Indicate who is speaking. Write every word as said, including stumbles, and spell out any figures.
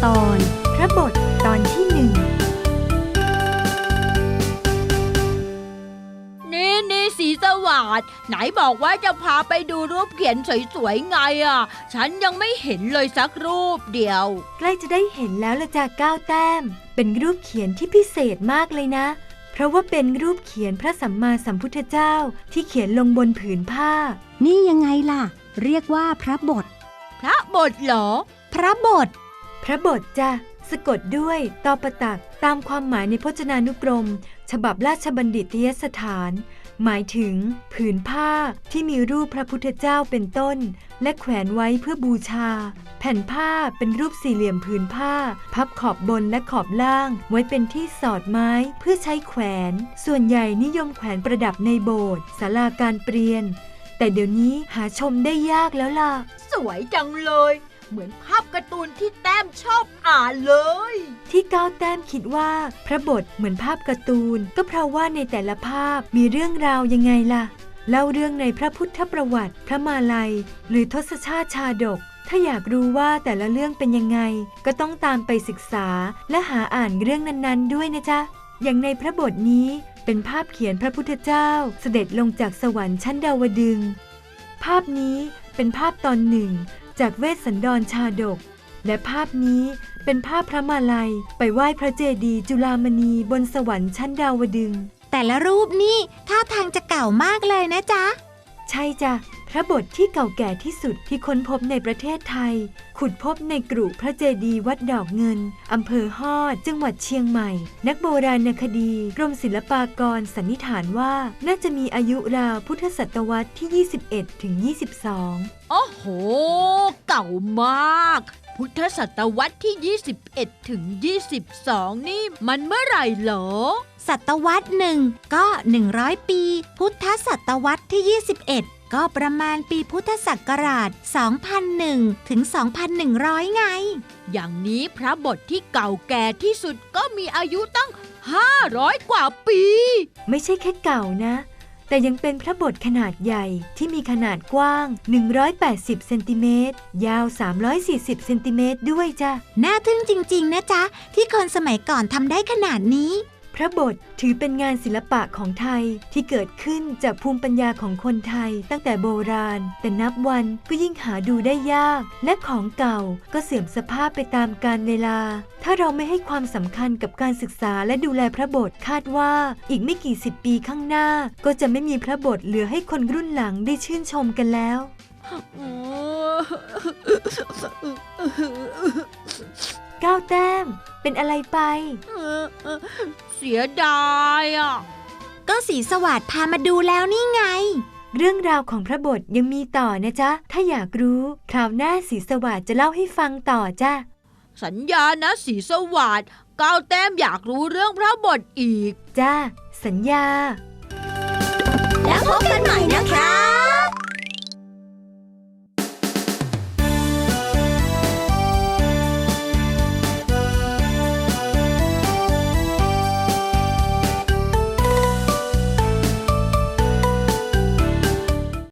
Speaker 1: ตอนพระบทตอนที่หนึ่ง
Speaker 2: นี่นี่สีสวัสดิ์ไหนบอกว่าจะพาไปดูรูปเขียนสวยๆไงอ่ะฉันยังไม่เห็นเลยสักรูปเดียว
Speaker 1: ใกล้จะได้เห็นแล้วละจ้ะก้าวแต้มเป็นรูปเขียนที่พิเศษมากเลยนะเพราะว่าเป็นรูปเขียนพระสัมมาสัมพุทธเจ้าที่เขียนลงบนผืนผ้า
Speaker 3: นี่ยังไงล่ะเรียกว่าพระบท
Speaker 2: พระบทเหรอ
Speaker 3: พระบท
Speaker 1: พระบทจ้ะสะกดด้วยตอปตักตามความหมายในพจนานุกรมฉบับราชบัณฑิตยสถานหมายถึงผืนผ้าที่มีรูปพระพุทธเจ้าเป็นต้นและแขวนไว้เพื่อบูชาแผ่นผ้าเป็นรูปสี่เหลี่ยมผืนผ้าพับขอบบนและขอบล่างไว้เป็นที่สอดไม้เพื่อใช้แขวนส่วนใหญ่นิยมแขวนประดับในโบสถ์ศาลาการเปลี่ยนแต่เดี๋ยวนี้หาชมได้ยากแล้วล่ะ
Speaker 2: สวยจังเลยเหมือนภาพการ์ตูนที่แต้มชอบอ่านเลย
Speaker 1: ที่ก้าวแต้มคิดว่าพระบทเหมือนภาพการ์ตูนก็เพราะว่าในแต่ละภาพมีเรื่องราวยังไงล่ะเล่าเรื่องในพระพุทธประวัติพระมาลัยหรือทศชาติชาดกถ้าอยากรู้ว่าแต่ละเรื่องเป็นยังไงก็ต้องตามไปศึกษาและหาอ่านเรื่องนั้นๆด้วยนะจ๊ะอย่างในพระบทนี้เป็นภาพเขียนพระพุทธเจ้าเสด็จลงจากสวรรค์ชั้นดาวดึงส์ภาพนี้เป็นภาพตอนหนึ่งจากเวสสันดรชาดกและภาพนี้เป็นภาพพระมาลัยไปไหว้พระเจดีย์จุฬามณีบนสวรรค์ชั้นดาวดึงส์
Speaker 3: แต่ละรูปนี่ท่าทางจะเก่ามากเลยนะจ๊ะ
Speaker 1: ใช่จ้ะพระบทที่เก่าแก่ที่สุดที่ค้นพบในประเทศไทยขุดพบในกรุพระเจดีย์วัดดอกเงินอำเภอฮอดจังหวัดเชียงใหม่นักโบราณคดีกรมศิลปากรสันนิษฐานว่าน่าจะมีอายุราวพุทธศตวรรษที่ยี่สิบเอ็ดถึงยี่สิบสอง
Speaker 2: โอ้โหเก่ามากพุทธศตวรรษที่ยี่สิบเอ็ดถึงยี่สิบสองนี่มันเมื่อไหร่เหรอ
Speaker 3: ศตวรรษหนึ่งก็หนึ่งร้อยปีพุทธศตวรรษที่ยี่สิบเอ็ดก็ประมาณปีพุทธศักราชสองพันหนึ่งถึงสองพันหนึ่งร้อยไง
Speaker 2: อย่างนี้พระบทที่เก่าแก่ที่สุดก็มีอายุตั้งห้าร้อยกว่าปี
Speaker 1: ไม่ใช่แค่เก่านะแต่ยังเป็นพระบทขนาดใหญ่ที่มีขนาดกว้างหนึ่งร้อยแปดสิบเซนติเมตรยาวสามร้อยสี่สิบเซนติเมตรด้วยจ้ะ
Speaker 3: น่าทึ่งจริงๆนะจ๊ะที่คนสมัยก่อนทำได้ขนาดนี้
Speaker 1: พระบทถือเป็นงานศิลปะของไทยที่เกิดขึ้นจากภูมิปัญญาของคนไทยตั้งแต่โบราณแต่นับวันก็ยิ่งหาดูได้ยากและของเก่าก็เสื่อมสภาพไปตามกาลเวลาถ้าเราไม่ให้ความสำคัญกับการศึกษาและดูแลพระบทคาดว่าอีกไม่กี่สิบปีข้างหน้าก็จะไม่มีพระบทเหลือให้คนรุ่นหลังได้ชื่นชมกันแล้วก้าวแต้มเป็นอะไรไป
Speaker 2: เสียดายอ่ะ
Speaker 3: ก็สีสวัสดิ์พามาดูแล้วนี่ไง
Speaker 1: เรื่องราวของพระบทยังมีต่อนะจ๊ะถ้าอยากรู้คราวหน้าสีสวัสดิ์จะเล่าให้ฟังต่อจ้ะ
Speaker 2: สัญญานะสีสวัสดิ์ก้าวแต้มอยากรู้เรื่องพระบทอีก
Speaker 1: จ้ะสัญญา
Speaker 4: แล้วพบกันใหม่นะคะ